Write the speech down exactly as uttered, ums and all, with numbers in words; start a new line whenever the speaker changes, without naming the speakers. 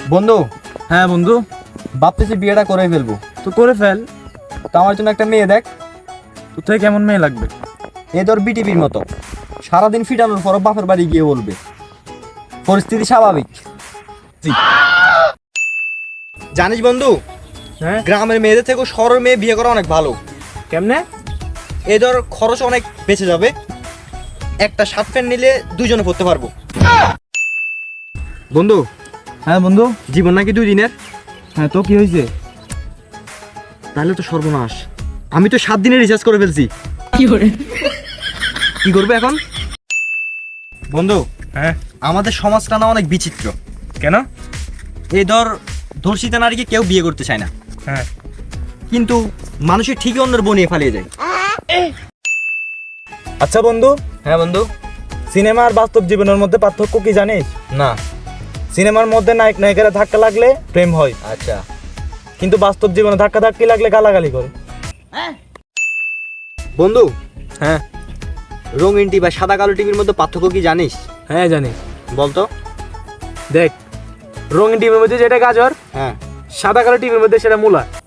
বন্ধু,
হ্যাঁ বন্ধু,
ভাবতেছি বিয়েটা করে ফেলবো।
তো করে ফেল।
তো আমার জন্য একটা মেয়ে দেখ।
তোর থেকে কেমন মেয়ে লাগবে?
এ তোর বিটিভির মতো, সারাদিন ফিটানোর পর বাপের বাড়ি গিয়ে বলবে পরিস্থিতি স্বাভাবিক। জানিস বন্ধু,
হ্যাঁ
গ্রামের মেয়েদের থেকেও শহরের মেয়ে বিয়ে করা অনেক ভালো।
কেমনে?
এ ধর খরচ অনেক বেঁচে যাবে, একটা শার্ট প্যান্ট নিলে দুইজনে পড়তে পারবো। বন্ধু,
হ্যাঁ বন্ধু,
জীবন নাকি দুই দিনের।
হ্যাঁ তো কি হয়েছে?
তাহলে তো সর্বনাশ, আমি তো সাত দিনের রিচার্জ করে ফেলছি। কি করবে এখন? বন্ধু,
হ্যাঁ
আমাদের সমাজটা না অনেক বিচিত্র।
কেন?
এই ধর ধর্ষিতা নারীকে কেউ বিয়ে করতে চায় না,
হ্যাঁ
কিন্তু মানুষের ঠিকই অন্যের বনিয়ে ফালিয়ে যায়।
আচ্ছা বন্ধু,
হ্যাঁ বন্ধু।
সিনেমা আর বাস্তব জীবনের মধ্যে পার্থক্য কি জানিস?
না।
সিনেমার মধ্যে নায়ক নায়িকারা ধাক্কা লাগলে প্রেম হয়,
আচ্ছা।
কিন্তু বাস্তব জীবনে ধাক্কা ধাক্কি লাগলে গালাগালি করে।
বন্ধু,
হ্যাঁ
রঙিন টিভি বা সাদা কালো টিভির মধ্যে পার্থক্য কি জানিস?
হ্যাঁ জানি।
বলতো।
দেখ, রঙিন টিভির মধ্যে যেটা গাজর,
হ্যাঁ।
সাদা কালো টিভির মধ্যে সেটা মূলা।